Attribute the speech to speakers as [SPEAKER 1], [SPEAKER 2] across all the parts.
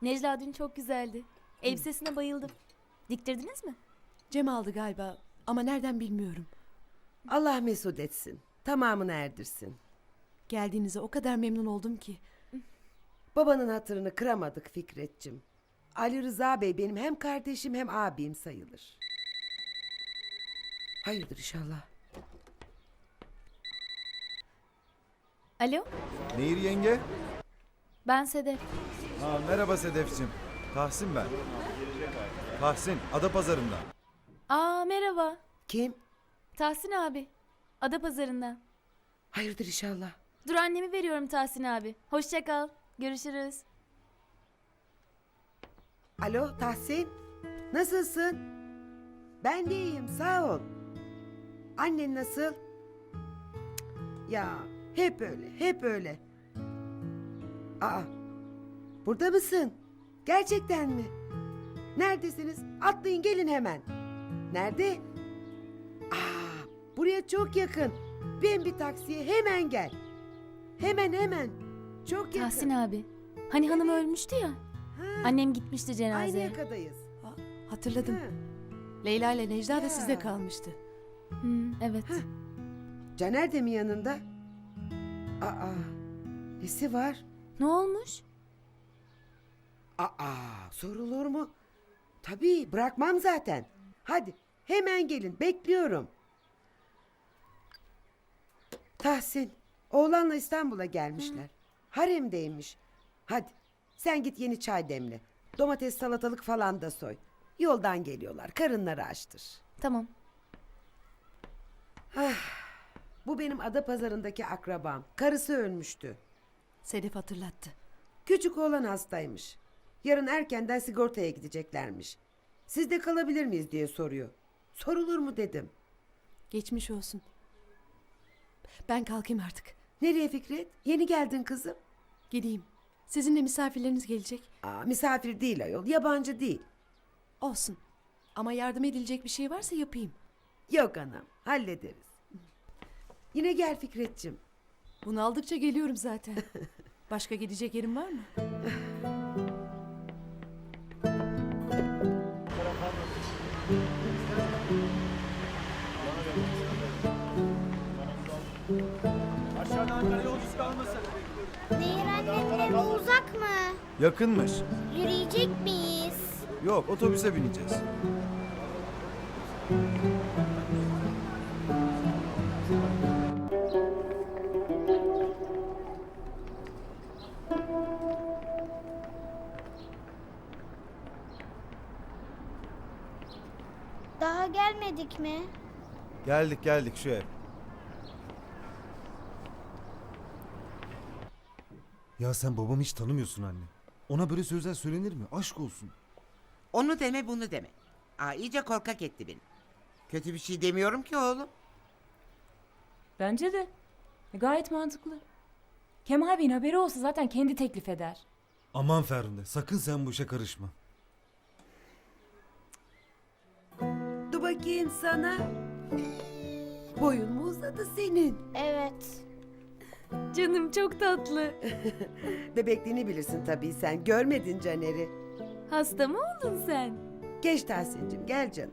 [SPEAKER 1] Necla dün çok güzeldi. Elbisesine bayıldım. Diktirdiniz mi?
[SPEAKER 2] Cem aldı galiba ama nereden bilmiyorum.
[SPEAKER 3] Allah mesut etsin. Tamamını erdirsin.
[SPEAKER 2] Geldiğinize o kadar memnun oldum ki.
[SPEAKER 3] Babanın hatırını kıramadık Fikret'cim. Ali Rıza Bey benim hem kardeşim hem abim sayılır. Hayırdır inşallah.
[SPEAKER 1] Alo,
[SPEAKER 4] Nehir yenge?
[SPEAKER 1] ben Sedef.
[SPEAKER 4] Merhaba Sedef'cim. Tahsin ben. Tahsin, Adapazarı'ndan.
[SPEAKER 1] Merhaba.
[SPEAKER 3] Kim?
[SPEAKER 1] Tahsin abi. Adapazarı'ndan.
[SPEAKER 3] Hayırdır inşallah.
[SPEAKER 1] Dur annemi veriyorum Tahsin abi. Hoşça kal. Görüşürüz.
[SPEAKER 3] Alo Tahsin. Nasılsın? Ben de iyiyim sağ ol. Annen nasıl? Cık, ya hep öyle hep öyle. Aa, burada mısın? Gerçekten mi? Neredesiniz? Atlayın gelin hemen. Nerede? Buraya çok yakın. Bin bir taksiye hemen gel. Hemen. Çok yakın.
[SPEAKER 1] Tahsin abi. Hani hanım ölmüştü ya.
[SPEAKER 3] Ha,
[SPEAKER 1] Annem gitmişti
[SPEAKER 3] aynı
[SPEAKER 1] cenazeye.
[SPEAKER 3] yakadayız.
[SPEAKER 2] Hatırladım.
[SPEAKER 3] Ha,
[SPEAKER 2] Leyla ile Necla da
[SPEAKER 3] Ya.
[SPEAKER 2] sizde kalmıştı.
[SPEAKER 1] Evet.
[SPEAKER 3] Caner de mi yanında? Nesi var?
[SPEAKER 1] Ne olmuş?
[SPEAKER 3] Sorulur mu? Tabii bırakmam zaten. Hadi hemen gelin bekliyorum. Tahsin, oğlanla İstanbul'a gelmişler. Haremdeymiş. Hadi sen git yeni çay demle. Domates salatalık falan da soy. Yoldan geliyorlar karınları açtır.
[SPEAKER 1] Tamam.
[SPEAKER 3] Bu benim Adapazarı'ndaki akrabam. Karısı ölmüştü.
[SPEAKER 2] Sedef hatırlattı.
[SPEAKER 3] Küçük oğlan hastaymış. Yarın erkenden sigortaya gideceklermiş. Siz de kalabilir miyiz diye soruyor. Sorulur mu dedim.
[SPEAKER 2] Geçmiş olsun. Ben kalkayım artık.
[SPEAKER 3] Nereye Fikret? Yeni geldin kızım.
[SPEAKER 2] Gideyim. Sizinle misafirleriniz gelecek.
[SPEAKER 3] Misafir değil ayol, yabancı değil.
[SPEAKER 2] Olsun. Ama yardım edilecek bir şey varsa yapayım.
[SPEAKER 3] Yok anam, hallederiz. Yine gel Fikret'cim.
[SPEAKER 2] Bunu aldıkça geliyorum zaten. Başka gidecek yerim var mı?
[SPEAKER 5] Aşağıda Ankara yolcusu kalmasın.
[SPEAKER 6] Nehir annenin evi uzak mı?
[SPEAKER 4] Yakınmış.
[SPEAKER 6] Yürüyecek miyiz?
[SPEAKER 4] Yok, otobüse bineceğiz.
[SPEAKER 6] Daha gelmedik mi?
[SPEAKER 4] Geldik şu ev.
[SPEAKER 7] Ya sen babamı hiç tanımıyorsun anne. Ona böyle sözler söylenir mi? Aşk olsun.
[SPEAKER 8] Onu deme bunu deme. İyice korkak etti beni. Kötü bir şey demiyorum ki oğlum.
[SPEAKER 9] Bence de. Gayet mantıklı. Kemal Bey'in haberi olsa zaten kendi teklif eder.
[SPEAKER 7] Aman Ferhunde, sakın sen bu işe karışma.
[SPEAKER 3] Dur bakayım sana. Boyun mu uzadı senin?
[SPEAKER 6] Evet.
[SPEAKER 1] Canım çok tatlı.
[SPEAKER 3] Bebekliğini bilirsin tabii sen. Görmedin Caner'i.
[SPEAKER 1] Hasta mı oldun sen?
[SPEAKER 3] Geç Tahsin'cim gel canım.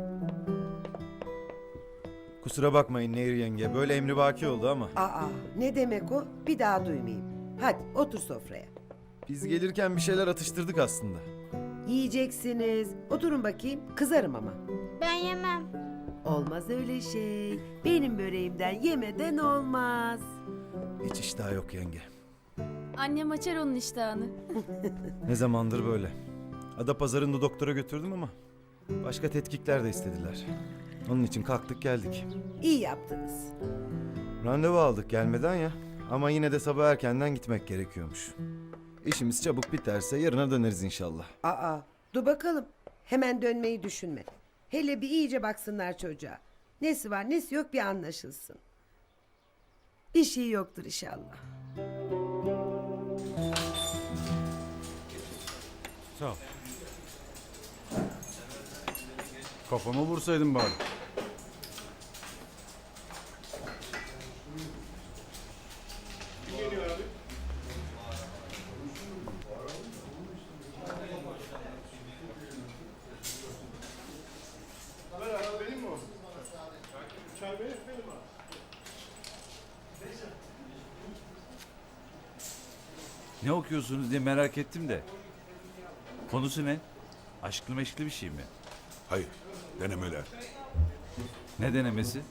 [SPEAKER 4] Kusura bakmayın Nehir yenge, böyle emrivaki oldu ama.
[SPEAKER 3] Ne demek o? Bir daha duymayayım. Hadi otur sofraya.
[SPEAKER 4] Biz gelirken bir şeyler atıştırdık aslında.
[SPEAKER 3] Yiyeceksiniz. Oturun bakayım. Kızarım ama.
[SPEAKER 6] Ben yemem.
[SPEAKER 3] Olmaz öyle şey. Benim böreğimden yemeden olmaz.
[SPEAKER 4] Hiç iştah yok yenge.
[SPEAKER 1] Annem açar onun iştahını.
[SPEAKER 4] Ne zamandır böyle. Adapazarı'nda doktora götürdüm ama başka tetkikler de istediler. Onun için kalktık geldik.
[SPEAKER 3] İyi yaptınız.
[SPEAKER 4] Randevu aldık gelmeden ya. Ama yine de sabah erkenden gitmek gerekiyormuş. İşimiz çabuk biterse yarına döneriz inşallah.
[SPEAKER 3] Dur bakalım. Hemen dönmeyi düşünme. Hele bir iyice baksınlar çocuğa. Nesi var nesi yok bir anlaşılsın. Bir şey yoktur inşallah.
[SPEAKER 5] Sağ ol. Kafama vursaydın bari.
[SPEAKER 10] Ne okuyorsunuz diye merak ettim de. Konusu ne? Aşklı meşkli bir şey mi?
[SPEAKER 11] Hayır, denemeler.
[SPEAKER 10] Ne denemesi?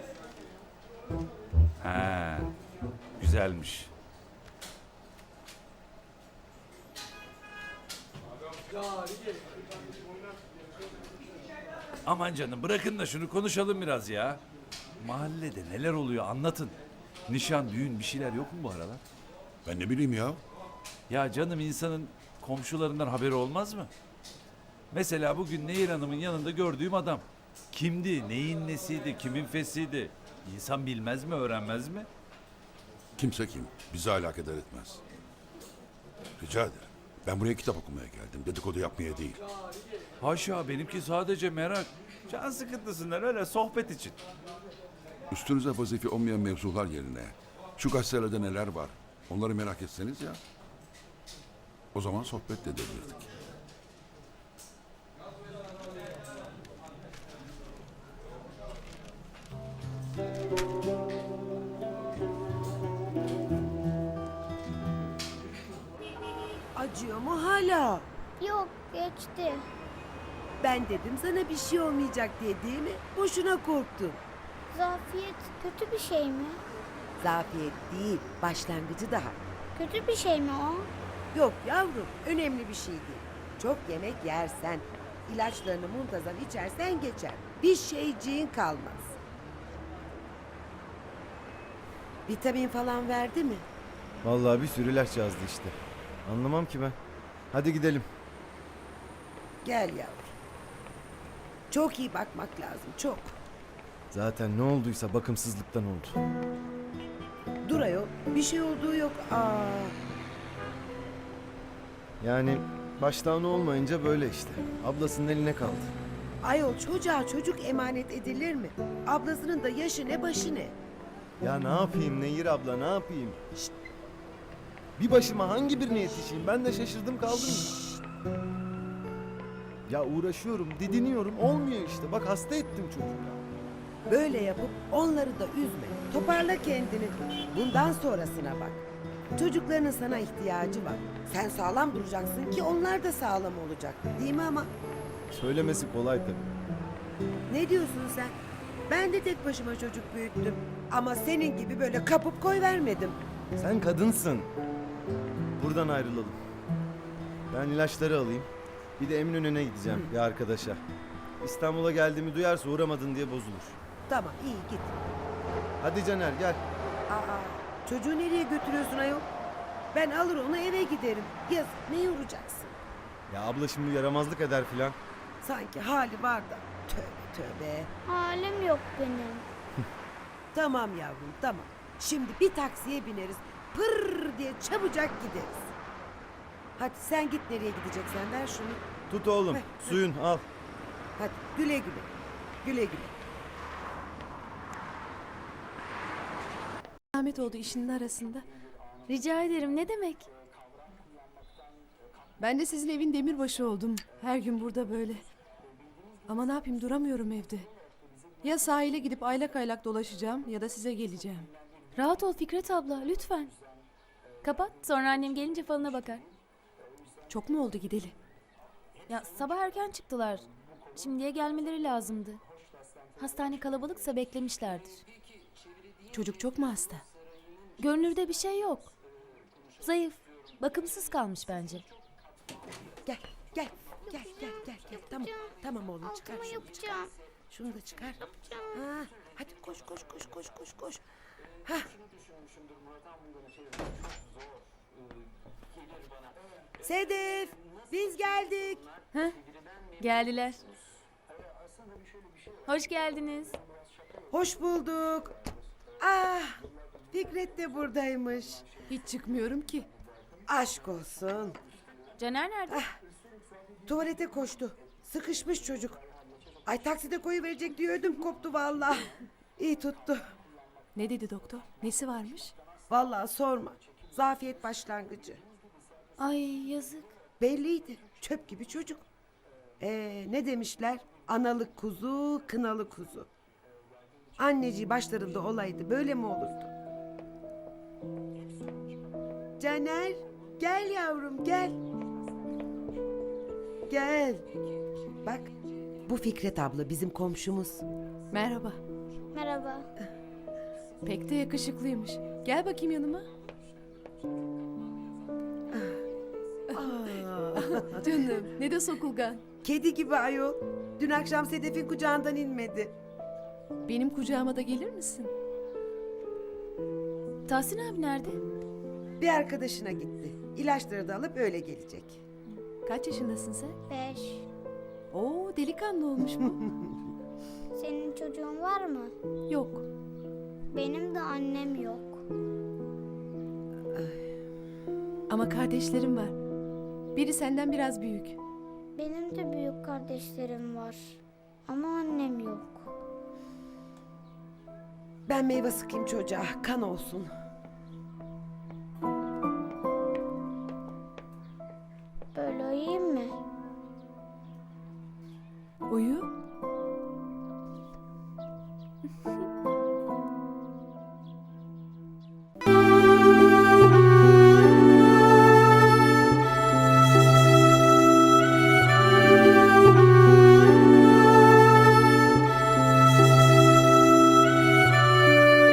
[SPEAKER 10] Ha, güzelmiş. Aman canım bırakın da şunu konuşalım biraz ya. Mahallede neler oluyor anlatın. Nişan, düğün bir şeyler yok mu bu aralar?
[SPEAKER 11] Ben ne bileyim ya.
[SPEAKER 10] Ya canım insanın komşularından haberi olmaz mı? Mesela bugün Nehir Hanım'ın yanında gördüğüm adam. Kimdi, neyin nesiydi, kimin fesiydi? İnsan bilmez mi, öğrenmez mi?
[SPEAKER 11] Kimse kim, bizi alakadar etmez. Rica ederim. Ben buraya kitap okumaya geldim, dedikodu yapmaya değil.
[SPEAKER 10] Haşa benimki sadece merak. Can sıkıntısından öyle sohbet için.
[SPEAKER 11] Üstünüze vazife olmayan mevzular yerine şu gazetelerde neler var, onları merak etseniz ya. O zaman sohbet de edebilirdik.
[SPEAKER 3] Acıyor mu hala?
[SPEAKER 6] Yok geçti.
[SPEAKER 3] Ben dedim sana bir şey olmayacak diye, değil mi? Boşuna korktun.
[SPEAKER 6] Zafiyet kötü bir şey mi?
[SPEAKER 3] Zafiyet değil, başlangıcı daha.
[SPEAKER 6] Kötü bir şey mi o?
[SPEAKER 3] Yok yavrum, önemli bir şey değil. Çok yemek yersen, ilaçlarını muntazam içersen geçer. Bir şeyciğin kalmaz. Vitamin falan verdi mi?
[SPEAKER 4] Vallahi bir sürü ilaç yazdı işte. Anlamam ki ben. Hadi gidelim.
[SPEAKER 3] Gel yavrum. Çok iyi bakmak lazım, çok.
[SPEAKER 4] Zaten ne olduysa bakımsızlıktan oldu.
[SPEAKER 3] Dur ayol, bir şey olduğu yok.
[SPEAKER 4] Yani baştan olmayınca böyle işte. Ablasının eline kaldı.
[SPEAKER 3] Ayol çocuğa çocuk emanet edilir mi? Ablasının da yaşı ne başı ne?
[SPEAKER 4] Ya ne yapayım Nehir abla ne yapayım? Şşt! Bir başıma hangi birine yetişeyim? Ben de şaşırdım kaldım. Ya uğraşıyorum, didiniyorum. Olmuyor işte. Bak hasta ettim çocuğu.
[SPEAKER 3] Böyle yapıp onları da üzme. Toparla kendini. Bundan sonrasına bak. Çocuklarının sana ihtiyacı var. Sen sağlam duracaksın ki onlar da sağlam olacak. Değil mi ama?
[SPEAKER 4] Söylemesi kolay tabii.
[SPEAKER 3] Ne diyorsun sen? Ben de tek başıma çocuk büyüttüm. Ama senin gibi böyle kapıp koy vermedim.
[SPEAKER 4] Sen kadınsın. Buradan ayrılalım. Ben ilaçları alayım. Bir de Eminönü'ne gideceğim bir arkadaşa. İstanbul'a geldiğimi duyarsa uğramadın diye bozulur.
[SPEAKER 3] Tamam iyi git.
[SPEAKER 4] Hadi Caner gel.
[SPEAKER 3] Çocuğu nereye götürüyorsun ayol? Ben alır onu eve giderim. Yazık ne yoracaksın?
[SPEAKER 4] Ya abla şimdi yaramazlık eder filan.
[SPEAKER 3] Sanki hali var da. Tövbe tövbe.
[SPEAKER 6] Halim yok benim.
[SPEAKER 3] Tamam yavrum tamam. Şimdi bir taksiye bineriz. Pırr diye çabucak gideriz. Hadi sen git nereye gideceksen ver şunu.
[SPEAKER 4] Tut oğlum
[SPEAKER 3] Ver,
[SPEAKER 4] suyun al.
[SPEAKER 3] Hadi güle güle. Güle güle.
[SPEAKER 2] Ahmet oldu işinin arasında.
[SPEAKER 1] Rica ederim ne demek?
[SPEAKER 2] Ben de sizin evin demirbaşı oldum. Her gün burada böyle. Ama ne yapayım duramıyorum evde. Ya sahile gidip aylak aylak dolaşacağım ya da size geleceğim.
[SPEAKER 1] Rahat ol Fikret abla lütfen. Kapat sonra annem gelince falına bakar.
[SPEAKER 2] Çok mu oldu gideli?
[SPEAKER 1] Ya sabah erken çıktılar. Şimdiye gelmeleri lazımdı. Hastane kalabalıksa beklemişlerdir.
[SPEAKER 2] Çocuk çok mu hasta?
[SPEAKER 1] Görünürde bir şey yok. Zayıf, bakımsız kalmış bence.
[SPEAKER 3] Gel gel gel gel gel. gel. Tamam tamam oğlum çıkar
[SPEAKER 6] Altımı
[SPEAKER 3] şunu çıkar.
[SPEAKER 6] yapacağım.
[SPEAKER 3] Şunu da çıkar. Ha, hadi koş koş koş koş koş koş. Ha. Sedef biz geldik.
[SPEAKER 1] Heh, geldiler. Hoş geldiniz.
[SPEAKER 3] Hoş bulduk. Fikret de buradaymış.
[SPEAKER 2] Hiç çıkmıyorum ki.
[SPEAKER 3] Aşk olsun.
[SPEAKER 1] Caner nerede?
[SPEAKER 3] Tuvalete koştu. Sıkışmış çocuk. Ay takside koyuverecek diye ödüm koptu vallahi. İyi tuttu.
[SPEAKER 2] Ne dedi doktor? Nesi varmış?
[SPEAKER 3] Vallahi sorma. Zafiyet başlangıcı.
[SPEAKER 1] Ay yazık.
[SPEAKER 3] Belliydi. Çöp gibi çocuk. Ne demişler? Analık kuzu, kınalı kuzu. Anneciği başlarında olaydı böyle mi olurdu? Caner, Gel yavrum gel. Gel. Bak bu Fikret abla bizim komşumuz.
[SPEAKER 2] Merhaba.
[SPEAKER 6] Merhaba.
[SPEAKER 2] Pek de yakışıklıymış. Gel bakayım yanıma. Canım ne de sokulgan.
[SPEAKER 3] Kedi gibi ayol. Dün akşam Sedef'in kucağından inmedi.
[SPEAKER 2] Benim kucağıma da gelir misin?
[SPEAKER 1] Tahsin abi nerede?
[SPEAKER 3] Bir arkadaşına gitti. İlaçları da alıp öyle gelecek.
[SPEAKER 2] Kaç yaşındasın sen?
[SPEAKER 6] 5.
[SPEAKER 2] Oo delikanlı olmuş bu.
[SPEAKER 6] Senin çocuğun var mı?
[SPEAKER 2] Yok.
[SPEAKER 6] Benim de annem yok.
[SPEAKER 2] Ama kardeşlerim var. Biri senden biraz büyük.
[SPEAKER 6] Benim de büyük kardeşlerim var. Ama annem yok.
[SPEAKER 3] Ben meyve sıkayım çocuğa. Kan olsun.
[SPEAKER 6] Böyle uyuyayım mı?
[SPEAKER 2] Uyu.